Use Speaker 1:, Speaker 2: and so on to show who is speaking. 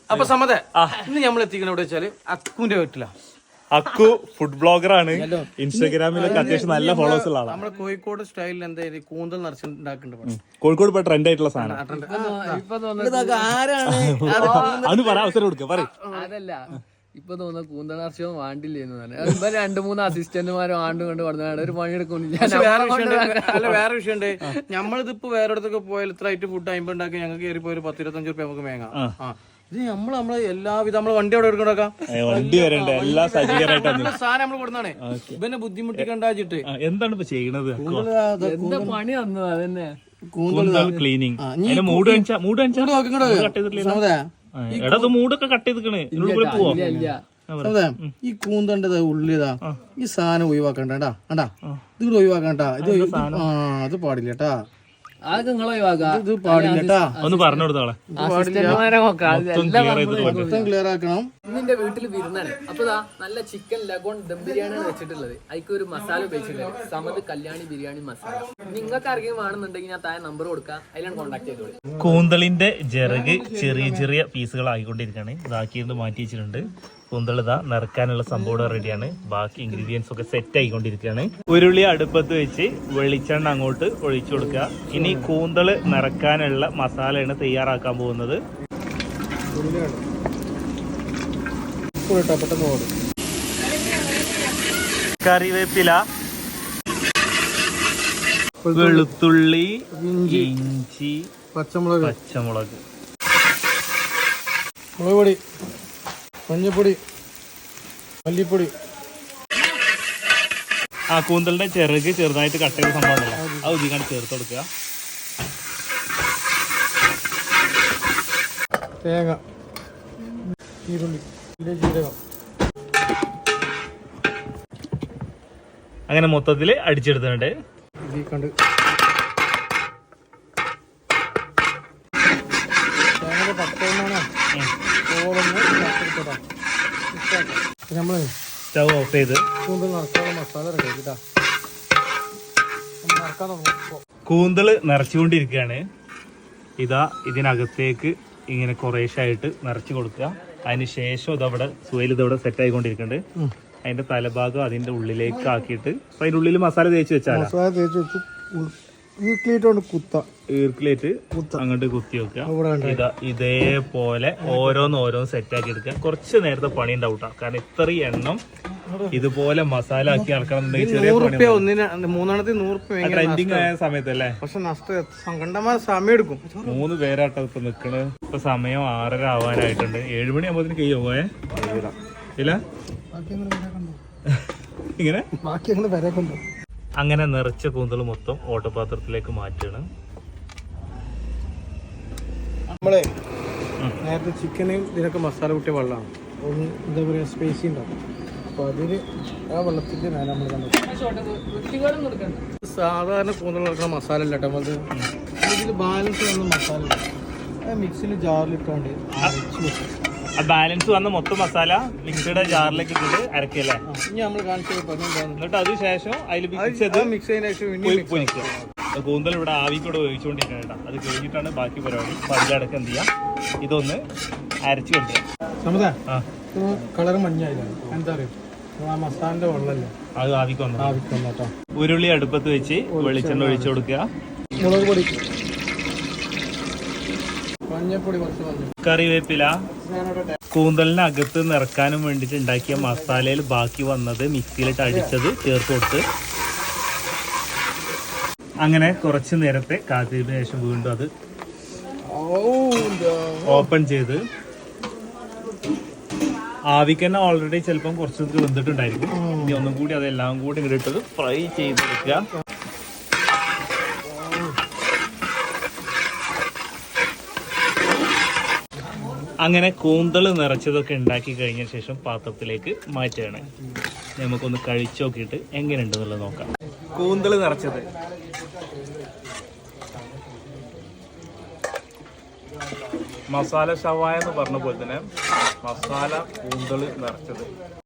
Speaker 1: അപ്പൊ സമത ഇന്ന് നമ്മൾ എത്തിക്കണ എവിടെ വെച്ചാല് അക്കുവിന്റെ വീട്ടിലാ.
Speaker 2: അക്കു ഫുഡ് ബ്ലോഗർ ആണ്. ഇൻസ്റ്റാഗ്രാമിലൊക്കെ അത്യാവശ്യം നല്ല ഫോളോവേഴ്സ് ഉള്ള ആളാണ്.
Speaker 1: നമ്മളെ കോഴിക്കോട് സ്റ്റൈലിൽ എന്തായാലും കൂന്തൽ നിറച്ചുണ്ടാക്കുന്നുണ്ട്.
Speaker 2: കോഴിക്കോട് ഇപ്പൊ ട്രെൻഡ് ആയിട്ടുള്ള സാധനം അത് പറ, അവസരം കൊടുക്കുക പറ.
Speaker 3: അതല്ല ഇപ്പൊ തോന്നുന്ന കൂന്തൽ നർച്ചവും വാണ്ടില്ലേന്ന് പറഞ്ഞു. 2-3 അസിസ്റ്റന്റുമാരും ആണ്ടും കൊണ്ട് പറഞ്ഞാണ് ഒരു പണിയെടുക്കുന്നില്ല.
Speaker 1: വേറെ വിഷയമുണ്ട്. നമ്മളിതിപ്പോ വേറെ ഇടത്തൊക്കെ പോയാൽ ഇത്ര ആയിട്ട് ഫുഡ് 50 ഉണ്ടാക്കി ഞങ്ങൾക്ക് കയറി പോയി 10-25 രൂപ നമുക്ക് മേങ്ങാം. ഇത് നമ്മള് എല്ലാവിധ നമ്മള് വണ്ടി അവിടെ എടുക്കണോക്കാം,
Speaker 2: വണ്ടി വരണ്ടേ, എല്ലാ സജ്ജീകരണമായിട്ട്
Speaker 1: സാധനം നമ്മള് കൊടുത്താണ്. ഇവനെ ബുദ്ധിമുട്ടിക്കണ്ടാച്ചിട്ട്
Speaker 2: എന്താണ് ഇപ്പൊ ചെയ്യണത്?
Speaker 3: എന്താ പണി വന്നു അതന്നെ
Speaker 2: കൂന്തൽ ക്ലീനിങ്. മൂട് മൂടൊക്കെ കട്ട് ചെയ്തിക്കണേ. പോവാ
Speaker 1: ഈ കൂന്തണ്ടത് ഉള്ളിതാ ഈ സാധനം ഒഴിവാക്കണ്ടാ. അണ്ടാ ഇത് ഒഴിവാക്കണ്ട. ഇത് പാടില്ല കേട്ടാ.
Speaker 3: അതൊക്കെ നിങ്ങൾ ഒഴിവാക്കാം.
Speaker 1: ഇത് പാടില്ല കേട്ടാ.
Speaker 2: ഒന്ന് പറഞ്ഞു കൊടുത്തോളെ.
Speaker 1: ക്ലിയർ ആക്കണം.
Speaker 3: ഇന്നിന്റെ വീട്ടിൽ വിരുന്നാണ്. അപ്പൊ നല്ല ചിക്കൻ ലഗോൺ ദം ബിരിയാണിയാണ് വെച്ചിട്ടുള്ളത്. അതിക്ക് ഒരു മസാല ഉപയോഗിച്ചിട്ടുണ്ട്, സമത് കല്യാണി ബിരിയാണി മസാല. നിങ്ങൾക്ക് ആർക്കെങ്കിലും വേണമെന്നുണ്ടെങ്കിൽ ഞാൻ താഴെ നമ്പർ കൊടുക്കാം, അതിലാണ് കോൺടാക്ട് ചെയ്തോളൂ.
Speaker 2: കൂന്തളിന്റെ ചിറക് ചെറിയ ചെറിയ പീസുകൾ ആയിക്കൊണ്ടിരിക്കുകയാണ്. ഇതാക്കിയിട്ട് മാറ്റി വെച്ചിട്ടുണ്ട്. കൂന്തൾ ഇതാ നിറക്കാനുള്ള സംഭവം റെഡിയാണ്. ബാക്കി ഇൻഗ്രീഡിയൻസ് ഒക്കെ സെറ്റ് ആയിക്കൊണ്ടിരിക്കുകയാണ്. ഉരുളി അടുപ്പത്ത് വെച്ച് വെളിച്ചെണ്ണ അങ്ങോട്ട് ഒഴിച്ചു കൊടുക്കുക. ഇനി കൂന്തൾ നിറക്കാനുള്ള മസാലയാണ് തയ്യാറാക്കാൻ പോകുന്നത്. കറിവേപ്പില, വെളുത്തുള്ളി, ഇഞ്ചി,
Speaker 1: പച്ചമുളക്,
Speaker 2: മുളക്
Speaker 1: പൊടി, മഞ്ഞപ്പൊടി, മല്ലിപ്പൊടി.
Speaker 2: ആ കൂന്തലിന്റെ ചിറക് ചെറുതായിട്ട് കട്ട് ചെയ്ത സംഭവം ഉണ്ടല്ലോ, അത് ഇതിക്കാണ് ചേർത്ത് കൊടുക്കുക.
Speaker 1: തേങ്ങ, ഈരുള്ളി, ജീരകം.
Speaker 2: അങ്ങനെ മൊത്തത്തിൽ അടിച്ചെടുത്തിട്ടുണ്ട്.
Speaker 1: നമ്മള്
Speaker 2: സ്റ്റവ് ഓഫ് ചെയ്ത്
Speaker 1: കൂന്തൽ നിറക്കാനുള്ള മസാല റെഡി ആക്കിട്ടാ.
Speaker 2: കൂന്തൽ നിറച്ചുകൊണ്ടിരിക്കുകയാണ്. ഇതാ ഇതിനകത്തേക്ക് ഇങ്ങനെ കുറേശ്ശായിട്ട് നിറച്ചു കൊടുക്കുക. അതിന് ശേഷം ഇതവിടെ സുവയിൽ ഇതവിടെ സെറ്റ് ആയിക്കൊണ്ടിരിക്കുന്നുണ്ട്. അതിന്റെ തലഭാഗം അതിന്റെ ഉള്ളിലേക്ക് ആക്കിയിട്ട് അതിന്റെ ഉള്ളിൽ മസാല തേച്ച് വെച്ചാൽ ഈർക്കിലേറ്റ് അങ്ങോട്ട് കുത്തി വെക്കുക. ഇതാ ഇതേപോലെ ഓരോന്ന് സെറ്റ് ആക്കി എടുക്കുക. കുറച്ച് നേരത്തെ പണി ഉണ്ടാവും. കാരണം ഇത്രയും എണ്ണം ഇതുപോലെ മസാല ആക്കി ഇറക്കണമെന്നുണ്ടെങ്കിൽ ചെറിയ ട്രെൻഡിങ് ആയ സമയത്തല്ലേ.
Speaker 1: പക്ഷെ നഷ്ടമായ സമയം എടുക്കും.
Speaker 2: 3 പേരാട്ടോ ഇപ്പൊ നിക്കണ്. ഇപ്പൊ സമയം 6:30 ആവാനായിട്ടുണ്ട്. 7 മണി ആകുമ്പോഴത്തേന് കഴിയോ പോയെ ഇല്ല ഇങ്ങനെ അങ്ങനെ നിറച്ച കൂന്തൽ മൊത്തം ഓട്ടപാത്രത്തിലേക്ക് മാറ്റുകയാണ്.
Speaker 1: നമ്മളെ നേരത്തെ ചിക്കനും ഇതിനൊക്കെ മസാല കൂട്ടിയ വെള്ളമാണ്. ഒന്ന് എന്താ പറയുക സ്പേസി ഉണ്ടാവും. അപ്പൊ അതിന് ആ വെള്ളത്തിന്റെ മേലെ നമ്മൾ സാധാരണ കൂന്തൽ നടക്കുന്ന മസാല ഇല്ല കേട്ടോ. നമ്മളത് ഇതിൽ ബാലൻസ് വന്ന മസാല മിക്സിയിൽ ജാറിലിട്ടാണ്ട്
Speaker 2: ബാലൻസ് വന്ന മൊത്തം മസാല മിക്സിയുടെ ജാറിലേക്ക് ഇട്ടിട്ട് അരക്കല്ലേ.
Speaker 1: ഇനി നമ്മൾ കാണിച്ചു
Speaker 2: എന്നിട്ട് അതിനുശേഷം അതിൽ
Speaker 1: മിക്സ് ചെയ്തതിനു ശേഷം
Speaker 2: പൊരിക്കുക. കൂന്തൽ ഇവിടെ ആവിക്കൂടെ ഉപയോഗിച്ചുകൊണ്ടിരിക്കണം. അത് കഴിഞ്ഞിട്ടാണ് ബാക്കി പരിപാടി. അപ്പൊ അതിലടക്കം എന്ത് ചെയ്യാം, ഇതൊന്ന് അരച്ചു കൊണ്ടുവരാം.
Speaker 1: കളർ മഞ്ഞായില്ല, എന്താ പറയുക മസാലന്റെ വെള്ളമല്ലേ
Speaker 2: അത് ആവിക്ക് വന്നു. ഉരുളി അടുപ്പത്ത് വെച്ച് വെളിച്ചെണ്ണ ഒഴിച്ചു കൊടുക്കുക.
Speaker 1: മുളക് പൊടി, മഞ്ഞപ്പൊടി,
Speaker 2: കറിവേപ്പില. കൂന്തലിനകത്ത് നിറക്കാനും വേണ്ടിയിട്ട് ഉണ്ടാക്കിയ മസാലയിൽ ബാക്കി വന്നത് മിക്സിയിലിട്ട് അടിച്ചത് ചേർത്ത് കൊടുത്ത് അങ്ങനെ കുറച്ച് നേരത്തെ കാത്തിയതിനു ശേഷം വീണ്ടും അത് ഓപ്പൺ ചെയ്ത് ആവിക്ക് തന്നെ ഓൾറെഡി ചിലപ്പം കുറച്ച് വെന്തിട്ടുണ്ടായിരിക്കും. ഇനി ഒന്നും കൂടി അതെല്ലാം കൂടി ഇങ്ങോട്ട് ഇട്ടത് ഫ്രൈ ചെയ്തെടുക്കുക. അങ്ങനെ കൂന്തൽ നിറച്ചതൊക്കെ ഉണ്ടാക്കി കഴിഞ്ഞ ശേഷം പാത്രത്തിലേക്ക് മാറ്റുകയാണ്. നമുക്കൊന്ന് കഴിച്ചു നോക്കിയിട്ട് എങ്ങനെയുണ്ടെന്നുള്ളത് നോക്കാം. കൂന്തൽ നിറച്ചത് മസാല ഷവായ എന്ന് പറഞ്ഞ പോലെ തന്നെ മസാല കൂന്തൽ നിറച്ചത്